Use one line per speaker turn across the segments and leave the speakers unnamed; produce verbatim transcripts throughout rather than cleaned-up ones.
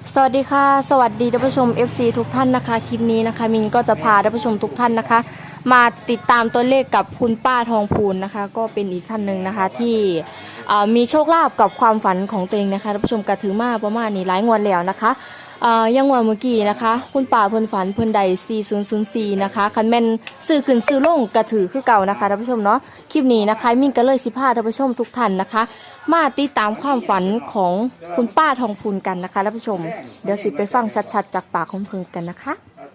สวัสดีค่ะสวัสดีท่านผู้ชม เอฟ ซี ทุกท่านนะคะคลิปนี้นะคะมินก็จะพาท่านผู้ชมทุกท่านนะคะมาติดตามตัวเลขกับคุณป้าทองพูนนะคะก็เป็นอีกท่านหนึ่งนะคะที่มีโชคลาภกับความฝันของตัวเองนะคะท่านผู้ชมกระถือมาประมาณนี้หลายงวดแล้วนะคะยังงวดเมื่อกี้นะคะคุณป้าเพิ่นฝันเพิ่นใดสี่ศูนย์ศูนย์สี่นะคะคันแม่นซื้อขึ้นซื้อลงกระถือคือเก่านะคะท่านผู้ชมเนาะคลิปนี้นะคะมินก็เลยสิพาท่านผู้ชมทุกท่านนะคะมาติดตามความฝันของคุณป้าทองพูนกันนะคะท่านผู้ชมเดี๋ยวสิไปฟังชัดๆจากปากของเพิ่นกันนะคะ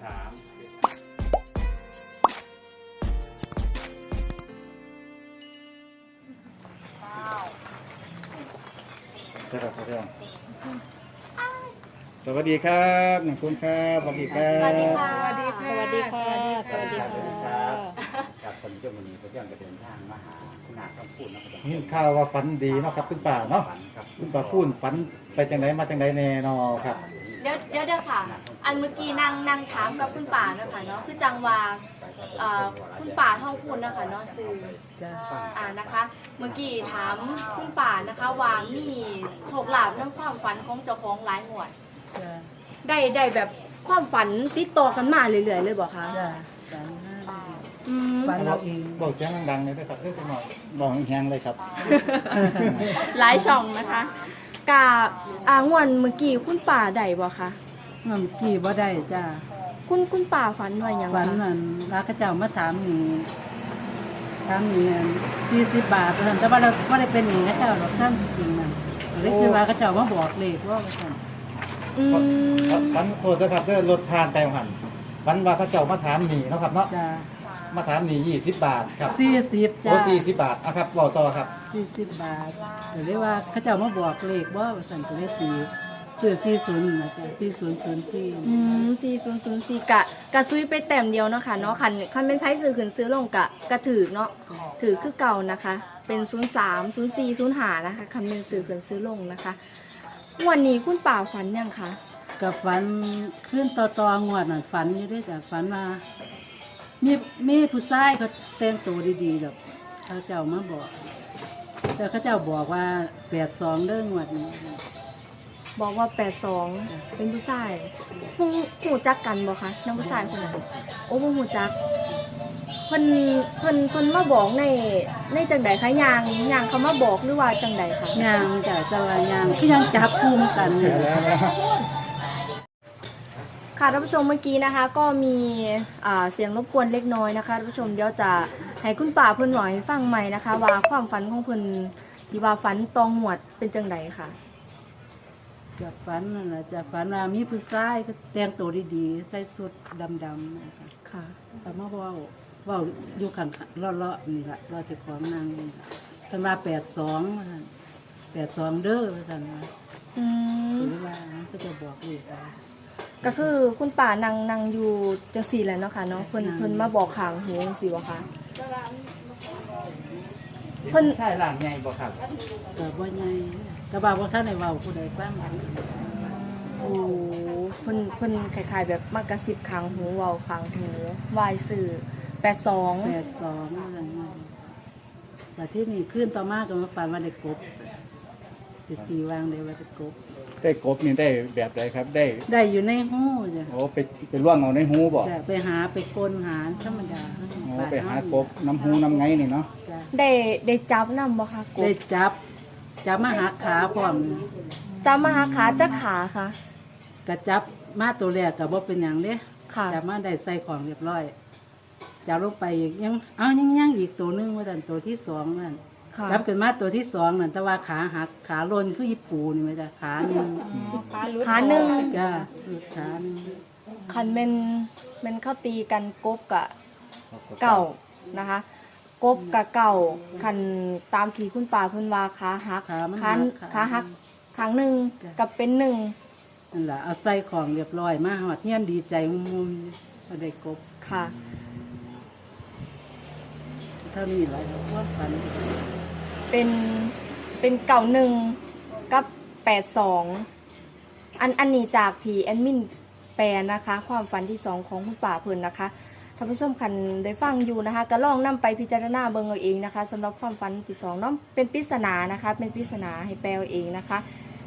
สวัสดีครับหนึ่งคุณครับสวัสดีครับ
สวัสดีค่ะ
สวัสดีค่ะ
สวัสดีค่ะ
สวัสดีค่ะ
สวัสดีครับกับคนเจ้ามือนี้เขาเที่ยวจะเดินทางมาหาคุณนาต้องพูดนะครับนี่ข่าวว่าฝันดีเนาะครับคุณป่าเนาะคุณป่าพูดฝันไปจังไหนมาจังไหนแน่นอครับ
เดี๋ยวเดี๋ยวเดี๋ยวค่ะ อันเมื่อกี้นั่งนั่งถามกับคุณป่าเนาะค่ะเนาะคือจังว่าเอ่อคุณป่าท่องพูนเนาะค่ะเนาะซื้ออ่านะคะ เมื่อกี้ถามคุณป่านะคะว่ามีโชคลาภน้ำความฝันของเจ้าของหลายงวดได้ได้แบบความฝันติดต่อกันมาเรื่อยๆเลยบอกคะ
จ้ะฝันห้า
อืม
ฝันเราเอง
บอกเสียงดังๆเลยด้วยครับเอ้ยคุณหน่อยบอกแห้งๆเลยครับ
หลายช่องนะคะกับอ่างวนเมื่อกี้คุณป่าได้บ่คะ
น้ำกี่บ่ได้จ้า
คุณคุณป่าฝันว่าหยัง
ฝัน
คะ
นั่นรักกระเจ้ามาถามหนีถามหนีสี่สิบบาทแต่ว่าเราไม่ได้เป็นหนีกระเจ้าหรอกท่านจริงๆนั่นเลยคือว่ากระเจ้ามาบอกเลขว่าท่าน
อืม
ฝันโทษนะครับเด้อรถผ่านไปหันฝันว่าเขาเจ้ามาถามหนีเนาะครับเนาะ
จ้า
มาถามหนียี่สิบบาทครับ
สี่สิบจ้า
โอ้สี่สิบบาทอ่ะครับบอกต่อครับ
สี่สิบบาทแต่เรียกว่าเขาเจ้ามาบอกเลขว่าท่านก็เลยตีเสื้อสี่ศูนย์นะจ้ะสี่ศูนย์ศูนย์สี่
อืมสี่ศูนย์ศูนย์สี่กะกะซุยไปแต้มเดียวเนาะค่ะเนาะคันคันเป็นไพ่ซื้อขึ้นซื้อลงกะกะถือเนาะถือคือเก่านะคะ เป็นศูนย์สามศูนย์สี่ศูนย์ห้านะคะคันเป็นซื้อขึ้นซื้อลงนะคะ วันนี้คุณป่าฝันยังคะ
กับฝันขึ้นต่อต่องวดน่ะฝันอยู่ด้วยจ้ะฝันมามีมีผู้ชายเขาแต่งตัวดีๆดอกเขาเจ้ามาบอก แต่เขาเจ้าบอกว่าแปดสองเรื่องงวดนี้
บอกว่าแปดสองเป็นผู้ชายหูหูจักกันบ่คะน้องผู้ชายคนนั้นโอ้บ่หูจักเพิ่นเพิ่นเพิ่นมาบอกในในจังใดคะยางยางเขามาบอกหรือว่าจังใดคะ
ยางจ้ะจะว่ายางคือยังจับกลุ่มกันเนี่ย
ค่ะท่านผู้ชมเมื่อกี้นะคะ ก็มีอ่าเสียงรบกวนเล็กน้อยนะคะท่านผู้ชมเดี๋ยวจะให้คุณป่าเพิ่นหน่อยฟังใหม่นะคะ ว่าความฝันของเพิ่นที่ว่าฝันตองหวดเป็นจังใดค่ะ
จะฝันนั่นแหละจะฝันว่ามีผู้ชายเขาแต่งตัวดีๆใส่สุดดำๆนะคะ
ค่ะ
แต่มาเว่าเว่าอยู่ข้างๆเลาะๆนี่แหละเราจะของนางนี่ล่ะเพิ่นว่าแปดสองแปดสองเด้อว่าซั่นว่า
อืม
หรือว่าก็จะบอกอีกว่า
ก็คือคุณป่านั่งนั่งอยู่จังสี่แหล้วเนาะค่ะเนาะเพิ่นเพิ่นมาบอกข้างหูจังซี่บ่คะเพิ่น
ใช่หลังใหญ่บ่ครับ
ก็บ่ใหญ่ก็บ่าบ่ท่านได้เว้าผู้ใดฟัง
โอ้เพิ่นเพิ่นคล้ายๆแบบมากระซิบข้างหูเว้าข้างหูวายสื่อแปดสอง
แปดสองว่าซั่นว่าแต่ที่นี่ขึ้นต่อมาก็มาฝันว่าได้กบติตีวางได้ว่าได้กบ
ได้กบนี่ได้แบบใดครับได้
ได้อยู่ในหูจ้ะ
โอ้ไปไปล่วงเอาในหูบ่
จะไปหาไปกลหาธรรมดา
โอ้ไปหากบน้ำหูน้ำไงนี่เนาะ
จ้ะ
ได้ได้จับนำบ่คะก
ได้
บ
จับจับมาหาขาพร้อม
จับมาหาขาจักขาค่ะ
ก็จับมาตัวแรกก็บ่เป็นหยังเด้
ค่ะ
จับมาได้ใส่ของเรียบร้อยจับลงไปอีกยังเอายังยังอีกตัวหนึงว่าซั่นตัวที่สองนั่น
ค่ะ
จับกันมาตัวที่สองนั่นแต่ว่าขาหักขาลนคืออีปูนี่ไหมจ้ะขาหนึ่ง
ขาหนึ่ง
จ้าขาหนึ่ง
คันแม่นแม่นเข้าตีกันกบกะเก่านะคะ กบกะเก่าคันตามที่คุณป่าเพิ่นว่าขาหัก
ขามัน
ขาขาหักครั้งหนึ่งกับเป็นหนึ่ง
นั่นแหละเอาใส่ของเรียบร้อยมาหอดเฮียนดีใจมุมๆมาได้กบ
ค่ะ
เท่านี้แหละว่าฝัน
เป็นเป็นเก่าหนึ่งกับแปดสองอันอันนี้จากที่แอดมินแปลนะคะ ความฝันที่สองของคุณป่าเพิ่นนะคะท่านผู้ชมคันได้ฟังอยู่นะคะก็ลองนำไปพิจารณาเบิ่งเอาเองนะคะสำหรับความฝันที่สองเนาะเป็นปริศนานะคะ เป็นปริศนาให้แปลเอาเองนะคะ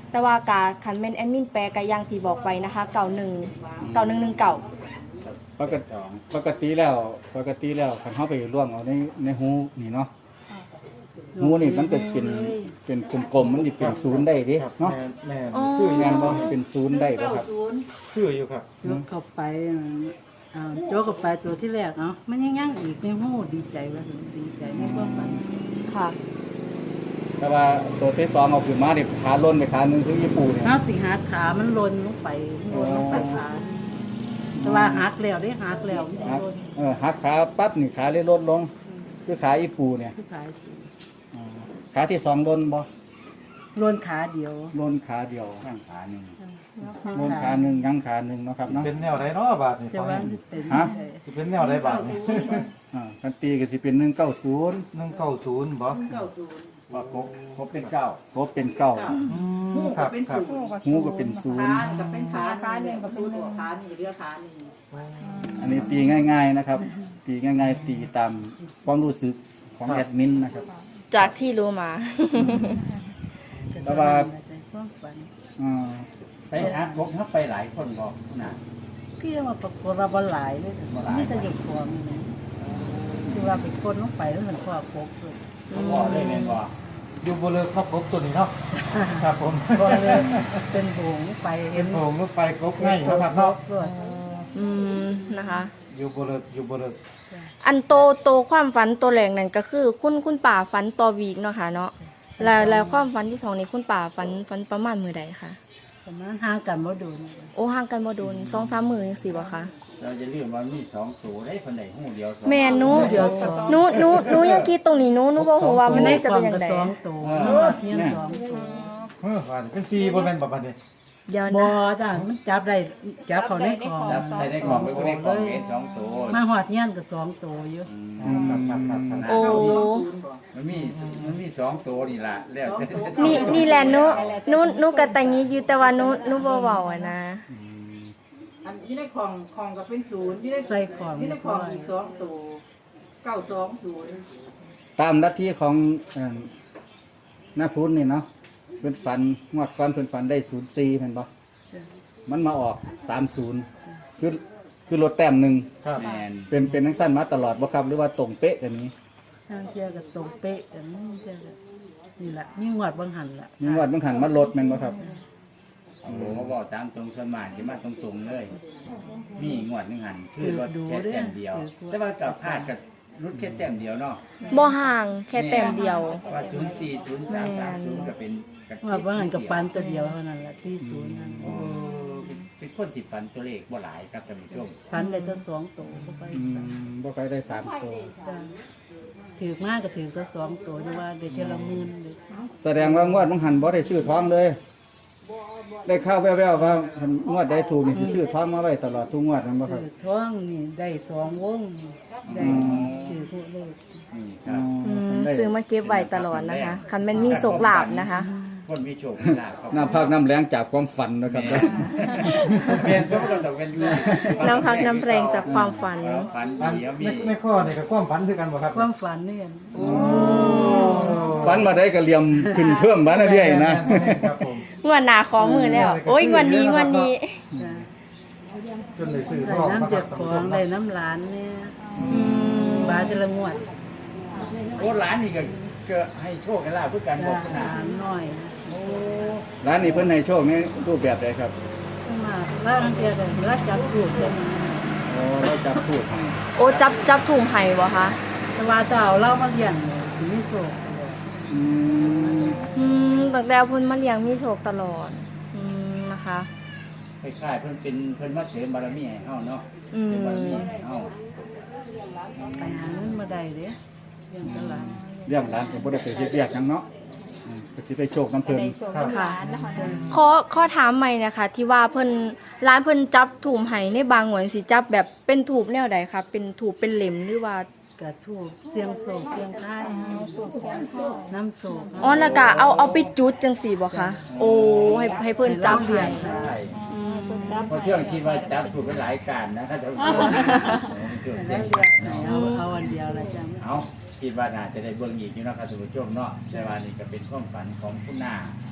แต่ว่ากาคันแม่นแอดมินแปลก็อย่างที่บอกไปนะคะเก้าหนึ่งเก้าหนึ่งหนึ่งเก้า
ปกติปกติแล้วปกติแล้วคันเฮาไปล่วงเอาในในหูนี่เนาะหูนี่มันก็เป็นเป็นกลมๆมันสิเป็นศูนย์ได้เด้เนาะ
แม่น
อ๋อ
คือแม่นบ่เป็นศูนย์ได้บ่ครับ
คืออยู่ครับ
โจกเข้าไปอ่าโจกเข้าไปตัวที่แรกเนาะมันยังยังอีกในหูดีใจว่าดีใจในความฝัน
ค่ะ
แต่ว่าตัวที่สองเอาขึ้นมานี่ขาล้นไปขาหนึงคือญี่ปุ่นเนี่ย
เฮาสิหักขามันลนลงไปลนลงไปขาแต่ว่าหักแล้วได้หักแล้วมันสิ
หัก
ลน
เออหักขาปั๊บนี่ขาเลยลดลง คือขาญี่ปุ่นเนี่ย
คือขาย
อ่าขาที่สองลนบ่
ลนขาเดียว
ลนขาเดียวข้างขาหนึงลนขาหนึงยังขาหนึงเนาะครับเนาะ
เป็นแนวไหนเนาะบาทนี่
จะ
ฟัง
ว่า
นี่
เป็น
ฮะ
สิเป็นแนวไหนบาทนี่
อ่ากันตีก็สิเป็นหนึ่งเก้าศูนย์
หนึ่งเก้าศูนย์บ่
ว่าครบครบเป็นเก้าครบเป็นเก้า
อืมครับครับ
หูก็เป็นศูนย์
จะเป็นขาขาหนึ่งกับเป็นตัวขาหนึ่งเรือขาหนึ่ง
อันนี้ตีง่าย ๆนะครับ ตีง่าย ๆ ตีตามความรู้สึกของแอดมินนะครับ
จากที่รู้มา
แต่ว่า
ความฝัน
อ่า
ไปอาร์ตพกเขาไปหลายคนบอกนะ
คือว่าปรากฏว่าบ่หลายเลยนี่จะหยุดความนี่นะคือว่าเป็นคนลงไปแล้วมันก็พกเลย
เขาบอกเลยแม่นบอก
อยู่บนเรือครับครบตัวนี้เนาะครับผม
ก็เลยเป็นหงไป
เป็นโถงรถไฟครบง่ายนะครับเนาะ
ด้วย
อืมนะคะ
อยู่บนเรืออยู่บนเรือ
อันโตโตความฝันตัวแรกนั่นก็คือ คุณคุณป่าฝันต่อวีกเนาะค่ะเนาะแล้วแล้วความฝันที่สองนี่คุณป่าฝันฝันประมาณมือใดคะ
ประมาณห่างกันบ่โดน
โอ้ห่างกันบ่โดนสองสามมือจังซี่บ่คะ
เราจะเรียกว่ามีสองตัวได้คนใดหูเดียวสอง
แม่หนู
เดี๋ยวสอง
หนูหนูหนูยังคิดตรงนี้หนูหนูบ่ฮู้ว่ามัน
ใน
จะ
กล่
เป็
อน ง
จั
ก็
งได
สองตัวเทียนสองตัว
เออบาทเป็นซีบ่แม่นบ่บาทนี่
เดี๋ยว
บ่
นะ
จ้ะมันจับได้จับเขาในกล่อง
จับใส่ในกล่องไปคนในกล่องเห็นสองตัว
มาหอดเทียนก็สองตัวอยู่
อืม
ครับครับครับครับ
โอ้
มันมีมันมีสองตัวนี่ล่ะแล้ว
นี่นี่แหละหนูหนูหนูก็แต่งนี้อยู่แต่ว่าหนูหนูบ่เว้าอะนะ
อันนี้ในของของก็เป็นศูนย์ที่ได้
ใส่ของ
ที่ได้ของอีกสองตัวเก้าสองศูนย์
ตามลัทธิของเอ่อหน้าพุทธนี่เนาะเพิ่นฝันงวดก่อนเพิ่นฝันได้ศูนย์สี่แม่นบ่มันมาออกสามศูนย์คือคือลดแต้มหนึ่ง
ครับ
แมน
เป็นเป็นทั้งสั้นมาตลอดบ่ครับหรือว่าตรงเป๊ะกันนี้
ทางเทียก็ตรงเป๊ะกันนี่เทียก็นี่ล่ะยิ่งหวดบางหันล่ะ
มีงวดบางหันมาลดแม่นบ่ครับ
โอ้โหมาบอกตามตรงสวนมากที่มาตรงๆเลย มีงวดหนึงหันคือรถแค่แต้มเดียว แต่ว่ากับพลาดกับรุดแค่แต้มเดียวเนาะ
บ่ห่างแค่แต้มเดียว
ว่าศูนย์สี่ศูนย์สามสามศูนย์ก็เป็นกับ
หวดบางหันกับฟันตัวเดียวเท่านั้นล่ะสี่ศูนย์นั่น
โอ้เป็นเป็นคนที่ฝันตัวเลขบ่หลายครับท่านผู้ชม
ฟันได้ตัวสองตัวเข้าไป
อืมบ่ค่อยได้สามตัว
จ้ะถือมากก็ถือตัวสองตัวอยู่ว่าได้เทอละหมื่นเลย
แสดงว่างวดบางหันบ่ได้ชื่อท้องเลย ได้ข่าวแว่วๆว่างวดได้ถูกนี่สิชื่อท้องมาไว้ตลอดทุกงวดแม่นบ่ครับ
ถือท้องนี่ได้สองวงได้ถือผู้เลข
นี่ครับ
อืมซื้อมาเก็บไว้ตลอดนะคะคันแม่นมีโศกลาบนะคะ
คนมีโชคมีลาภครับ
น้ำพักน้ำแรงจากความฝันนะครับ
เปลี่ยนตัวก็ต้องเป็นอยู่
น้ำพักน้ำแรงจากความฝัน
ฝัน
อัน
เสียมี
ในในข้อนี่ก็ความฝันคือกันบ่ครับ
ความฝันนี่กัน
ฝันมาได้ก็เหลี่ยมขึ้นเพิ่มมาเรื่อยๆนะ
แม่นๆครับผม
งวดหนาขอมือแล้ว โอ้ยงวดนี้งวดนี้
จ้ะ
จนได้ซื้อท
ได้
อง
น้ำเจ็บ
มา
ข
ค
อ
รับ
งได้น้ำหลานเนี่ย
อืม
บาทละงวด
โอ้ร้านนี่ก็ก็ให้โชคให้ลาภเพื่อการบ
จ้ะ
อกข
ห
นาด
ลานน้อย
โอ้
ร้านนี้เพิ่นให้โชคนี่รูปแบบใดครับ
มาแล้วอันเดียวเลยแล้วจับถูกกัน
โอ้เราจับพูดให้
โอ้จับจับถุงไห้บ่คะ
แต่ว่าเจ้าเล่ามาเลี้ยงเลยสิมิโซะ
อืม
อืมตั้งแต่เพิ่นมาเลี้ยงมีโชคตลอด อืมนะคะ
คล้ายๆเพิ่นเป็นเพิ่นมาเสริมบารมีให้เฮาเนาะ
อืม
เสริมบารมีให้เฮา
ไปหาเงินมาได้เด้เลี้ยงตลาด
เรื่องร้านก็บ่ได้ไปเฮ็ดเวียกหยังเนาะอืมก็สิได้โชคน้ำเพิ่น
ค่ะขอขอถามใหม่นะคะ ที่ว่าเพิ่นร้านเพิ่นจับถูมไห้ในบางหวนสิจับแบบเป็นถูบแนวใดคะเป็นถูบเป็นเหล็มหรือว่า
กระถูกเสียงโศกเสียงท้ายน้ำโศก
อ๋อแล้วก็เอาเอาไปจุดจังสี่บ่คะโอ้ให้ให้เพิ่นจับให้
ใช่
อืม
เพราะเที่ยงคิดว่าจับถูกไปหลายการนะครับท่านผู้ชมเกี่ยวเสียงเนาะ
เอาเอาอันเดียวละจ้ะ
เอาคิดว่าน่าจะได้เบิ่งอีกอยู่เนาะครับท่านผู้ชมเนาะแต่ว่านี่ก็เป็นความฝันของคุณนา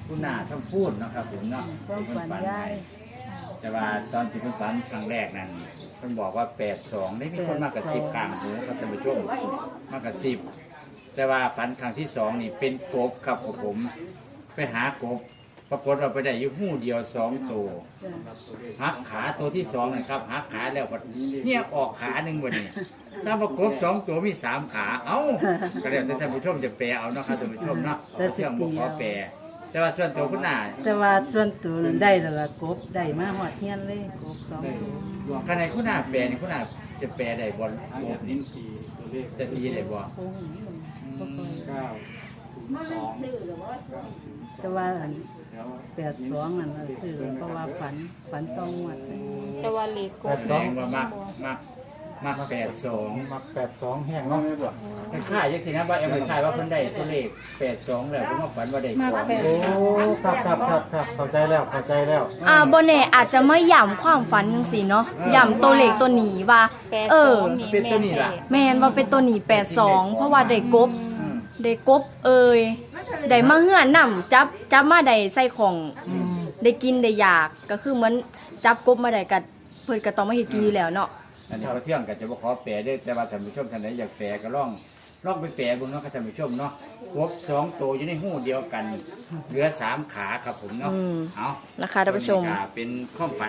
คุณนาท่านพูดเนาะครับผมเนาะ
ความฝันยาย
แต่ว่าตอนที่เพิ่นฝันครั้งแรกนั้นเพิ่นบอกว่าแปดสองได้มีคนมากระซิบกลางหูครับท่านผู้ชมมากระซิบแต่ว่าฝันครั้งที่สองนี่เป็นกบครับผม ไปหากบปรากฏเราไปได้อยู่หู้เดียวสองตัวหักขาตัวที่สองนะครับหักขาแล้วก็เนี่ยออกขาหนึ่งวันนี้ทราบว่ากบสองตัวมีสามขาเอ้าก็แล้วแต่ท่านผู้ชมจะแปลเอาเนาะครับท่านผู้ชมเนาะเชื่อมบ่ขอแปลแต่ว่าส่วนตัวคุณนา
แต่ว่าส่วนตัวนั้นได้แล้วล่ะกบได้มาหอดเฮียนเลยกบสองตัว
ขณะคุณนาแปลนี่คุณนาจะแปลได้บ่กบนี่จะตีได้บ่
โอ้โหบ่ค่อย
เก้าสอง
แต่ว่าอันแปดสองนั่นน่ะซื้อเพราะว่าฝันฝันต้องงวด
แต่ว่าเลขก
แป
บ
ด
แส
สอง
ดงว่ามักมักมักแปดสอง
มักแปดสองแห้งเนาะ
มันค่ายยังสินะว่าเอ็มค่ายว่าเพิ่นได้ตัวเลขแปดสองแล้วผมว่าฝันว่าได้ของ
โอ้ครับครับครับครับเข้าใจแล้วเข้าใจแล้ว
อ่าบนเน่อาจจะไม่ย่ำความฝันจังสิเนาะย่ำตัวเลขตัวหนีว่า เออ
เป็นตัวนี้ล่ะ
แมนว่าเป็นตัวหนีแปดสองเพราะว่าได้กบได้กบเอ่ยได้มาเหือนนำจับจับมาได้ใส่ของได้กินได้อยากก็คือเหมือนจับกบมาได้กับเพิ่นก็ต้องมาเฮ็ดกินอยู่แล้วเนาะ
อันนี้เขาเที่ยงกันจะบ่ขอแปลเด้อแต่ว่าท่านผู้ชมท่านใดอยากแปลก็ลองลองไปแปลเบิ่งเนาะครับท่านผู้ชมเนาะครบสองตัวอยู่ในหู้เดียวกัน เหลือสามขาครับผมเนาะ
อืม
เอา
นะคะท่านผู้ชม
ตัวนี้ก็เป็นความฝัน